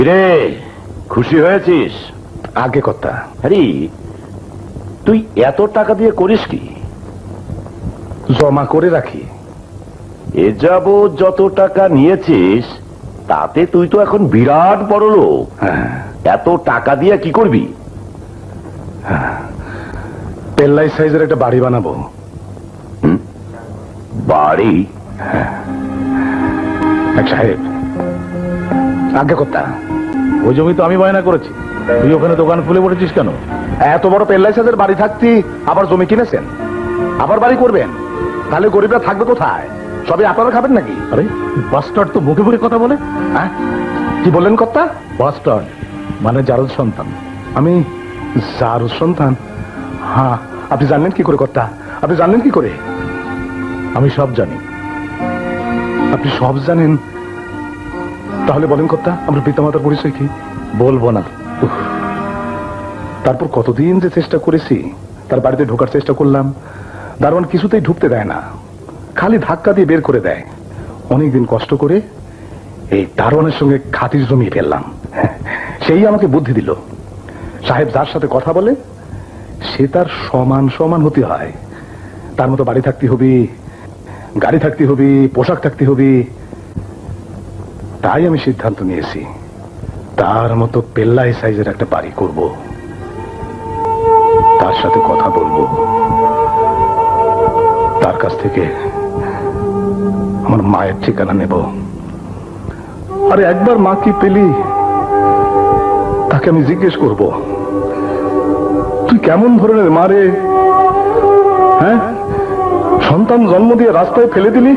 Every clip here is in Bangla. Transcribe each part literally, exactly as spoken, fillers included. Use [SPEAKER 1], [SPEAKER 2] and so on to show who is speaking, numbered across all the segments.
[SPEAKER 1] রে খুশি হয়েছিস?
[SPEAKER 2] আগে কথা।
[SPEAKER 1] আরে তুই এত টাকা দিয়ে করিস কি?
[SPEAKER 2] জমা করে রাখি।
[SPEAKER 1] এ যাবৎ যত টাকা নিয়েছিস তাতে তুই তো এখন বিরাট বড় লোক।
[SPEAKER 2] হ্যাঁ,
[SPEAKER 1] এত টাকা দিয়ে কি করবি?
[SPEAKER 2] পেল্লাই সাইজের একটা বাড়ি বানাবো।
[SPEAKER 1] বাড়ি?
[SPEAKER 2] এক সাহেব, আগে কথা।
[SPEAKER 3] ওই জমি তো আমি বায়না করেছি, তুই ওখানে দোকান খুলে বসেছিস কেন?
[SPEAKER 2] এত বড় পেল্লাই সাইজের বাড়ি থাকতি আবার জমি কিনেছেন, আবার বাড়ি করবেন, তাহলে গরিবরা থাকবে কোথায়? সবই আপনারা খাবেন নাকি?
[SPEAKER 3] আরে বাস্টার্ড তো মুখে মুখে কথা বলে।
[SPEAKER 2] হ্যাঁ, কি বললেন কর্তা?
[SPEAKER 3] বাস্টার্ড মানে জারদ সন্তান।
[SPEAKER 2] আমি যার সন্তান? হ্যাঁ, আপনি জানলেন কি করে কর্তা? আপনি জানলেন কি করে?
[SPEAKER 3] আমি সব জানি।
[SPEAKER 2] আপনি সব জানেন? তাহলে বলেন কর্তা, আমরা পিতামাতার পরিচয় কি?
[SPEAKER 3] বলবো না।
[SPEAKER 2] উফ, তারপর কতদিন যে চেষ্টা করেছি, তার বাড়িতে ঢোকার চেষ্টা করলাম, দারোয়ান কিছুতেই ঢুকতে দেয় না, খালি ধাক্কা দিয়ে বের করে দেয়। অনেকদিন কষ্ট করে এই দারোয়ানের সঙ্গে খাতির জমিয়ে ফেললাম। সেই আমাকে বুদ্ধি দিল, সাহেব যার সাথে কথা বলে সে তার সমান সমান হতে হয়। তার মতো বাড়ি থাকতে হবে, গাড়ি থাকতে হবে, পোশাক থাকতে হবে। তাই আমি সিদ্ধান্ত নিয়েছি তার মতো পেল্লাই সাইজের একটা বাড়ি করব, তার সাথে কথা বলবো, তার কাছ থেকে আমার মায়ের ঠিকানা নেব। আরে একবার মা কি পেলি, তাকে আমি জিজ্ঞেস করব, তুই কেমন ধরনের মা রে? হ্যাঁ, সন্তান জন্ম দিয়ে রাস্তায় ফেলে দিলি,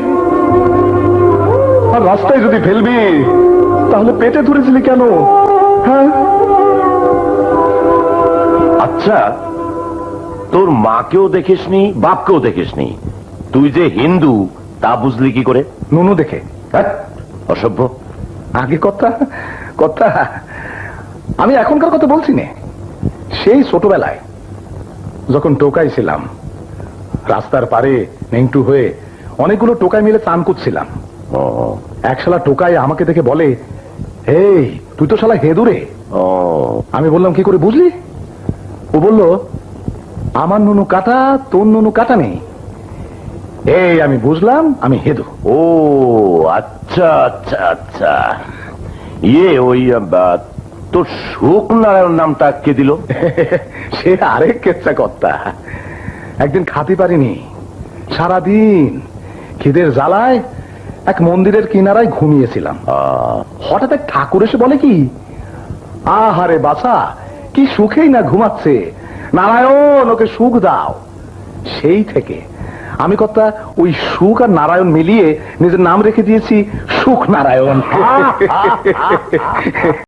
[SPEAKER 2] আর রাস্তায় যদি ফেলবি তাহলে পেটে ধরেছিলি কেন? হ্যাঁ,
[SPEAKER 1] আচ্ছা, তোর মাকেও দেখিসনি, বাপকেও দেখিসনি, তুই যে হিন্দু তা বুঝলি কি করে?
[SPEAKER 2] নুনু দেখে।
[SPEAKER 1] হ্যাঁ, অসভ্য।
[SPEAKER 2] আগে কথা কথা আমি এখনকার কথা বলছি না, সেই ছোটবেলায় যখন টোকাই ছিলাম, রাস্তার পারে নেংটু হয়ে অনেকগুলো টোকাই মিলে চান করছিলাম।
[SPEAKER 1] ও
[SPEAKER 2] এক শালা টোকাই আমাকে দেখে বলে, এই তুই তো শালা হেদুরে।
[SPEAKER 1] ও
[SPEAKER 2] আমি বললাম, কি করে বুঝলি? ও বলল, আমার নুনু কাটা, তোর নুনু কাটা নেই। এই আমি বুঝলাম আমি হেদু।
[SPEAKER 1] ও আচ্ছা আচ্ছা আচ্ছা। ইয়ে ওই আহ, তোর সুখ নারায়ণ নামটা কে দিল?
[SPEAKER 2] সে আরেক কেচ্ছা কর্তা। একদিন খাতে পারিনি, সারাদিন খিদের জ্বালায় এক মন্দিরের কিনারায় ঘুমিয়েছিলাম।
[SPEAKER 1] আহ,
[SPEAKER 2] হঠাৎ এক ঠাকুর এসে বলে কি, আহারে বাছা, কি সুখেই না ঘুমাচ্ছে, নারায়ণ ওকে সুখ দাও। সেই থেকে আমি কর্তা ওই সুখ আর নারায়ণ মিলিয়ে নিজের নাম রেখে দিয়েছি সুখ নারায়ণ।